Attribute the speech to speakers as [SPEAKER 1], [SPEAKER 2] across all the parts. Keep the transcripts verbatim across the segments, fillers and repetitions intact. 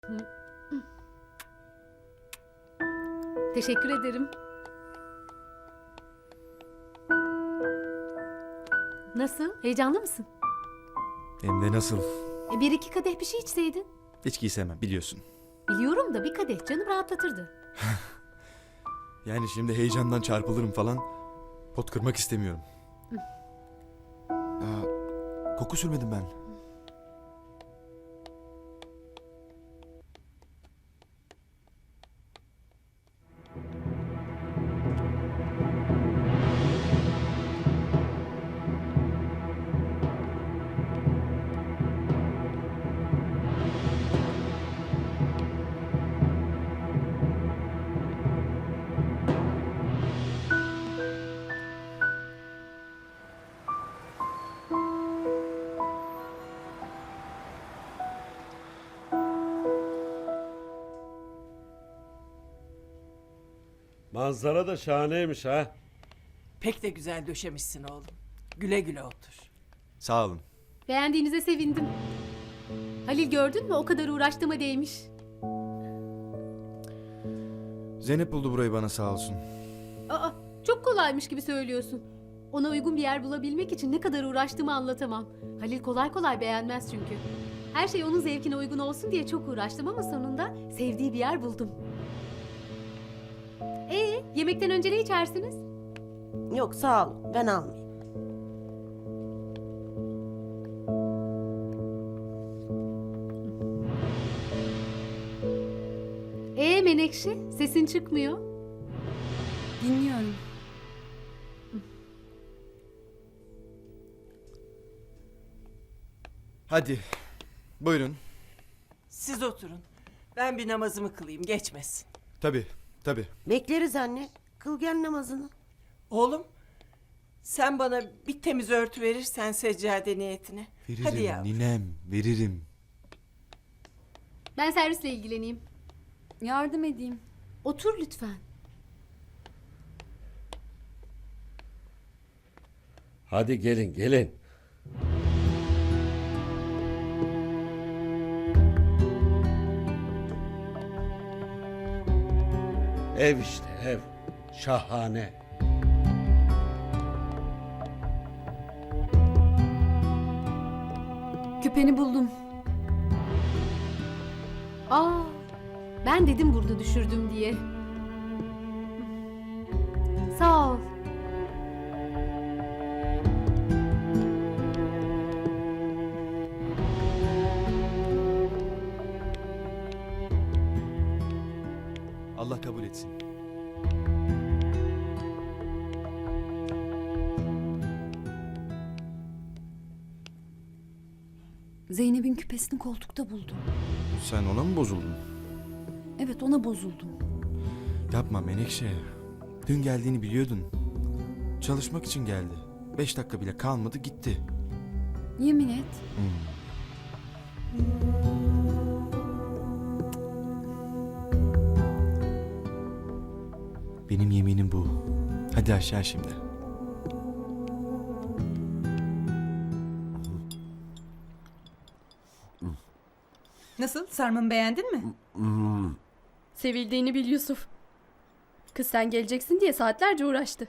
[SPEAKER 1] Teşekkür ederim. Nasıl? Heyecanlı mısın?
[SPEAKER 2] Hem de nasıl?
[SPEAKER 1] E bir iki kadeh bir şey içseydin.
[SPEAKER 2] İçki sevmem biliyorsun.
[SPEAKER 1] Biliyorum da bir kadeh canım rahatlatırdı.
[SPEAKER 2] Yani şimdi heyecandan çarpılırım falan. Pot kırmak istemiyorum. Aa, koku sürmedim ben.
[SPEAKER 3] Manzara da şahaneymiş ha.
[SPEAKER 4] Pek de güzel döşemişsin oğlum. Güle güle otur.
[SPEAKER 2] Sağ olun.
[SPEAKER 1] Beğendiğinize sevindim. Halil gördün mü o kadar uğraştığıma değmiş.
[SPEAKER 2] Zeynep buldu burayı bana sağ olsun.
[SPEAKER 1] Aa, çok kolaymış gibi söylüyorsun. Ona uygun bir yer bulabilmek için ne kadar uğraştığımı anlatamam. Halil kolay kolay beğenmez çünkü. Her şey onun zevkine uygun olsun diye çok uğraştım ama sonunda sevdiği bir yer buldum. Ee, yemekten önce ne içersiniz?
[SPEAKER 5] Yok sağ ol, ben almayayım.
[SPEAKER 1] Ee Menekşe, sesin çıkmıyor.
[SPEAKER 6] Dinliyorum.
[SPEAKER 2] Hadi. Buyurun.
[SPEAKER 4] Siz oturun. Ben bir namazımı kılayım, geçmesin.
[SPEAKER 2] Tabii, tabii.
[SPEAKER 5] Bekleriz anne. Kıl gel namazını.
[SPEAKER 4] Oğlum, sen bana bir temiz örtü verirsen seccade niyetine.
[SPEAKER 2] Veririm
[SPEAKER 4] Hadi yavrum.
[SPEAKER 2] ninem, veririm.
[SPEAKER 1] Ben servisle ilgileneyim.
[SPEAKER 6] Yardım edeyim.
[SPEAKER 1] Otur lütfen.
[SPEAKER 3] Hadi gelin gelin. Ev işte ev. Şahane.
[SPEAKER 6] Küpeni buldum.
[SPEAKER 1] Aa, ben dedim burada düşürdüm diye. Sağ ol.
[SPEAKER 2] Allah kabul etsin.
[SPEAKER 6] Zeynep'in küpesini koltukta buldum.
[SPEAKER 2] Sen ona mı bozuldun?
[SPEAKER 6] Evet, ona bozuldum.
[SPEAKER 2] Yapma Menekşe. Dün geldiğini biliyordun. Çalışmak için geldi. Beş dakika bile kalmadı gitti.
[SPEAKER 6] Yemin et.
[SPEAKER 2] Benim yeminim bu. Hadi aşağı şimdi.
[SPEAKER 7] Nasıl? Sarmamı beğendin mi?
[SPEAKER 8] Sevildiğini bil Yusuf. Kız sen geleceksin diye saatlerce uğraştı.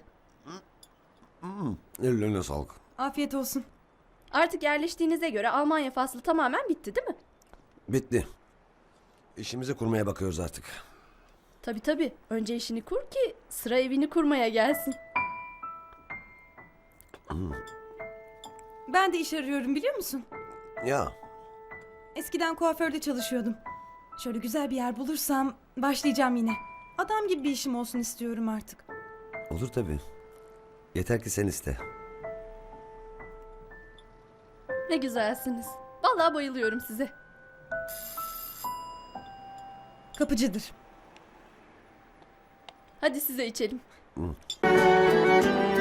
[SPEAKER 9] Ellerine sağlık.
[SPEAKER 7] Afiyet olsun.
[SPEAKER 8] Artık yerleştiğinize göre Almanya faslı tamamen bitti değil mi?
[SPEAKER 9] Bitti. İşimizi kurmaya bakıyoruz artık.
[SPEAKER 8] Tabii tabii. Önce işini kur ki sıra evini kurmaya gelsin.
[SPEAKER 7] Ben de iş arıyorum biliyor musun?
[SPEAKER 9] Ya
[SPEAKER 7] Eskiden kuaförde çalışıyordum. Şöyle güzel bir yer bulursam başlayacağım yine. Adam gibi bir işim olsun istiyorum artık.
[SPEAKER 9] olur tabii. Yeter ki sen iste.
[SPEAKER 8] Ne güzelsiniz. Vallahi bayılıyorum size.
[SPEAKER 7] Kapıcıdır.
[SPEAKER 8] Hadi size içelim.